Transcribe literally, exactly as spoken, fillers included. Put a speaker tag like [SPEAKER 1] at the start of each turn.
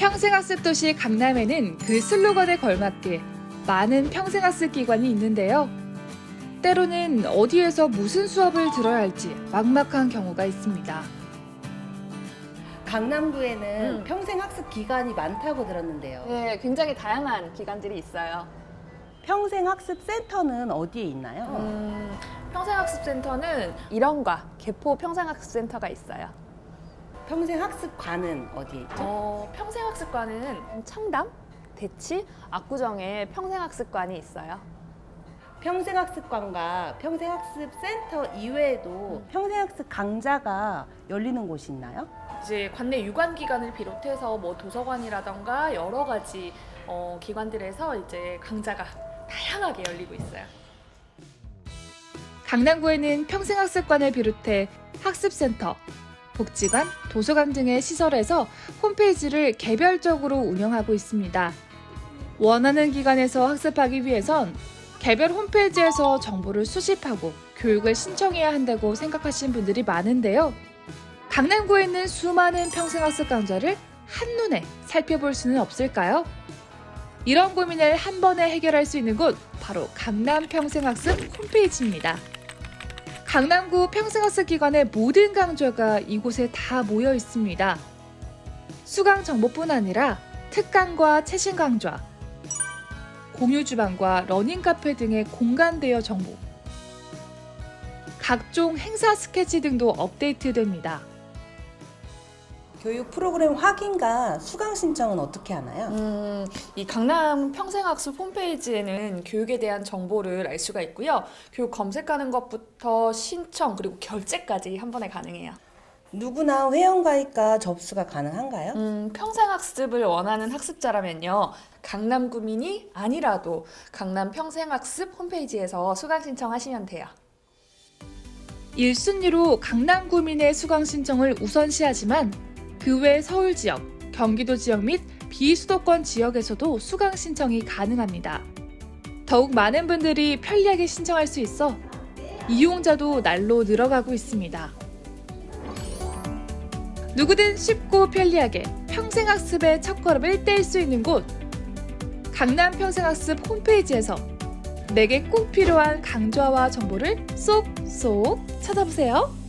[SPEAKER 1] 평생학습 도시 강남에는 그 슬로건에 걸맞게 많은 평생학습 기관이 있는데요. 때로는 어디에서 무슨 수업을 들어야 할지 막막한 경우가 있습니다.
[SPEAKER 2] 강남구에는
[SPEAKER 3] 음.
[SPEAKER 2] 평생학습 기관이 많다고 들었는데요.
[SPEAKER 3] 네, 굉장히 다양한 기관들이 있어요.
[SPEAKER 2] 평생학습센터는 어디에 있나요?
[SPEAKER 3] 음, 평생학습센터는 일원과 개포 평생학습센터가 있어요.
[SPEAKER 2] 평생학습관은 어디에 있죠?
[SPEAKER 3] 어, 평생학습관은 청담, 대치, 압구정에 평생학습관이 있어요.
[SPEAKER 2] 평생학습관과 평생학습센터 이외에도 평생학습 강좌가 열리는 곳이 있나요?
[SPEAKER 4] 이제 관내 유관 기관을 비롯해서 뭐 도서관이라던가 여러 가지 어, 기관들에서 이제 강좌가 다양하게 열리고 있어요.
[SPEAKER 1] 강남구에는 평생학습관을 비롯해 학습센터, 복지관, 도서관 등의 시설에서 홈페이지를 개별적으로 운영하고 있습니다. 원하는 기관에서 학습하기 위해선 개별 홈페이지에서 정보를 수집하고 교육을 신청해야 한다고 생각하시는 분들이 많은데요. 강남구에 있는 수많은 평생학습 강좌를 한눈에 살펴볼 수는 없을까요? 이런 고민을 한 번에 해결할 수 있는 곳 바로 강남 평생학습 홈페이지입니다. 강남구 평생학습 기관의 모든 강좌가 이곳에 다 모여 있습니다. 수강 정보뿐 아니라 특강과 최신 강좌, 공유 주방과 러닝 카페 등의 공간 대여 정보, 각종 행사 스케치 등도 업데이트됩니다.
[SPEAKER 2] 교육 프로그램 확인과 수강 신청은 어떻게 하나요?
[SPEAKER 4] 음, 이 강남 평생학습 홈페이지에는 교육에 대한 정보를 알 수가 있고요. 교육 검색하는 것부터 신청 그리고 결제까지 한 번에 가능해요.
[SPEAKER 2] 누구나 회원가입과 접수가 가능한가요?
[SPEAKER 4] 음, 평생학습을 원하는 학습자라면요. 강남구민이 아니라도 강남 평생학습 홈페이지에서 수강 신청하시면 돼요.
[SPEAKER 1] 일 순위로 강남구민의 수강 신청을 우선시하지만 그 외 서울 지역, 경기도 지역 및 비수도권 지역에서도 수강 신청이 가능합니다. 더욱 많은 분들이 편리하게 신청할 수 있어 이용자도 날로 늘어가고 있습니다. 누구든 쉽고 편리하게 평생학습의 첫걸음을 뗄 수 있는 곳, 강남 평생학습 홈페이지에서 내게 꼭 필요한 강좌와 정보를 쏙쏙 찾아보세요.